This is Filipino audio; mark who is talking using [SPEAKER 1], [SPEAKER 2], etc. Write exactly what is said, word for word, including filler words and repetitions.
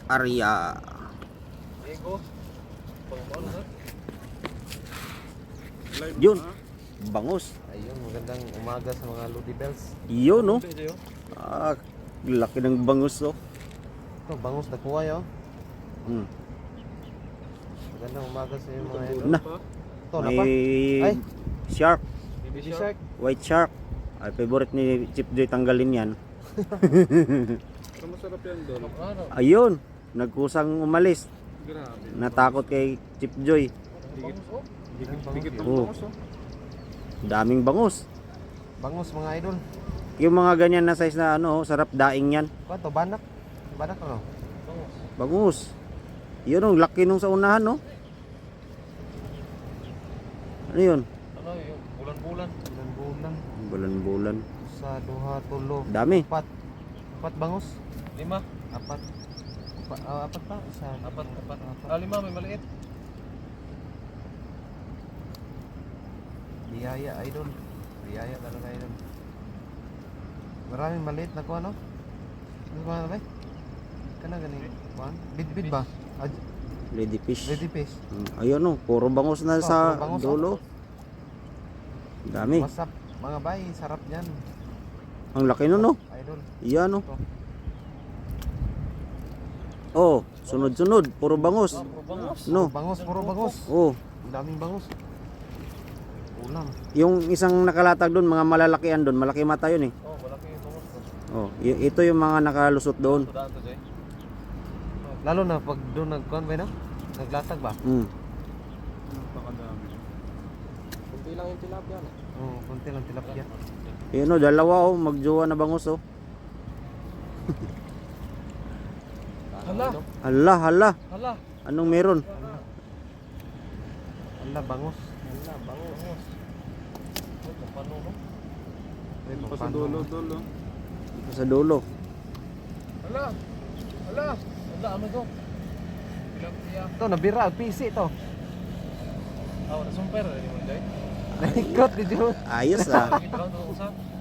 [SPEAKER 1] Arya.
[SPEAKER 2] Ego. Pangmaon ha.
[SPEAKER 1] Yun. Bangus.
[SPEAKER 3] Ayun, magandang umaga sa mga Lodi Bells.
[SPEAKER 1] Yun, no? Ah, laki ng bangus, oh.
[SPEAKER 3] Ito, bangus na kuha yun.
[SPEAKER 1] Hmm.
[SPEAKER 3] Magandang umaga sa iyo mga idol.
[SPEAKER 1] Na.
[SPEAKER 3] Ito, na pa?
[SPEAKER 1] May
[SPEAKER 3] Ay.
[SPEAKER 1] shark.
[SPEAKER 2] Baby
[SPEAKER 3] Baby
[SPEAKER 2] shark.
[SPEAKER 3] shark.
[SPEAKER 1] White shark. Ay, favorite ni Chip Joy tanggalin yan.
[SPEAKER 2] Pero masarap yan doon. Ano?
[SPEAKER 1] Ayun. Nagkusang umalis.
[SPEAKER 2] Grabe.
[SPEAKER 1] Natakot kay Chip Joy.
[SPEAKER 2] Dikit. Dikit.
[SPEAKER 3] Bangus,
[SPEAKER 2] Dikit ng
[SPEAKER 1] oh.
[SPEAKER 2] bangus oh.
[SPEAKER 1] Daming bangus.
[SPEAKER 3] Bangus mga idol.
[SPEAKER 1] Yung mga ganyan na size na ano, oh, sarap daing yan.
[SPEAKER 3] Ba to banak? Banak ano?
[SPEAKER 2] Bangus.
[SPEAKER 1] Bangus. Yun, oh, laki nung sa unahan, no? Ano yun?
[SPEAKER 2] Ano yung bulan-bulan.
[SPEAKER 3] Bulan-bulan.
[SPEAKER 1] Bulan-bulan.
[SPEAKER 3] Sa duha, tulo.
[SPEAKER 1] Dami.
[SPEAKER 3] Apat. Apat bangus.
[SPEAKER 2] Lima.
[SPEAKER 3] Apat. Pa, ah, apat pa? Isa.
[SPEAKER 2] Apat. Apat. Ah, lima may maliit.
[SPEAKER 3] Biyaya idol. Biyaya talaga idol. Maraming maliit na kuha no? Ano ba ba? Kana ganing kuha? Bid-bid ba? Ah,
[SPEAKER 1] Ladyfish.
[SPEAKER 3] Ready fish.
[SPEAKER 1] Mm, ayun, no? Puro bangus na
[SPEAKER 3] Oh,
[SPEAKER 1] sa
[SPEAKER 3] puro bangus,
[SPEAKER 1] dulo. Dami.
[SPEAKER 3] What's up mga bay? Sarap yan.
[SPEAKER 1] Ang laki nun, no?
[SPEAKER 3] Idol.
[SPEAKER 1] Yan, no?
[SPEAKER 3] Ito.
[SPEAKER 1] Oh, sunod-sunod. Puro bangus.
[SPEAKER 2] Ah, puro bangus.
[SPEAKER 1] No?
[SPEAKER 3] Bangus, puro bangus.
[SPEAKER 1] Oh,
[SPEAKER 3] Ang daming bangus. Ulam.
[SPEAKER 1] yung isang nakalatag doon, mga malalakian doon. Malaki mata yun, eh.
[SPEAKER 2] Oh, malaki yung bangus to.
[SPEAKER 1] Oh, y- ito yung mga nakalusot doon.
[SPEAKER 2] Tudaan to, Jay.
[SPEAKER 3] Lalo na pag doon nagkuhan ba no? Naglatag ba?
[SPEAKER 1] Mm.
[SPEAKER 2] Napakadami. Kunti lang yung tilapia no.
[SPEAKER 3] Oo, konti lang tilapia.
[SPEAKER 1] Yun, oh, dalawa, oh. Magjowa na bangus, oh.
[SPEAKER 2] Hala.
[SPEAKER 1] Hala, hala.
[SPEAKER 2] Hala.
[SPEAKER 1] Anong meron?
[SPEAKER 3] Ala, bangus.
[SPEAKER 2] Hala, bangus. Oh, kapano no?
[SPEAKER 3] Ay,
[SPEAKER 2] Pa sa
[SPEAKER 3] paano?
[SPEAKER 2] dulo, dulo.
[SPEAKER 1] Ito sa dulo.
[SPEAKER 2] Hala. Hala. Hala, ano to? Tilapia.
[SPEAKER 3] Ito, nabira. P C to.
[SPEAKER 2] Oh, nasumper. Ano mo, Jay?
[SPEAKER 3] Naikot ni Joe.
[SPEAKER 1] Ayos, ah.
[SPEAKER 2] Kita ko ito usap.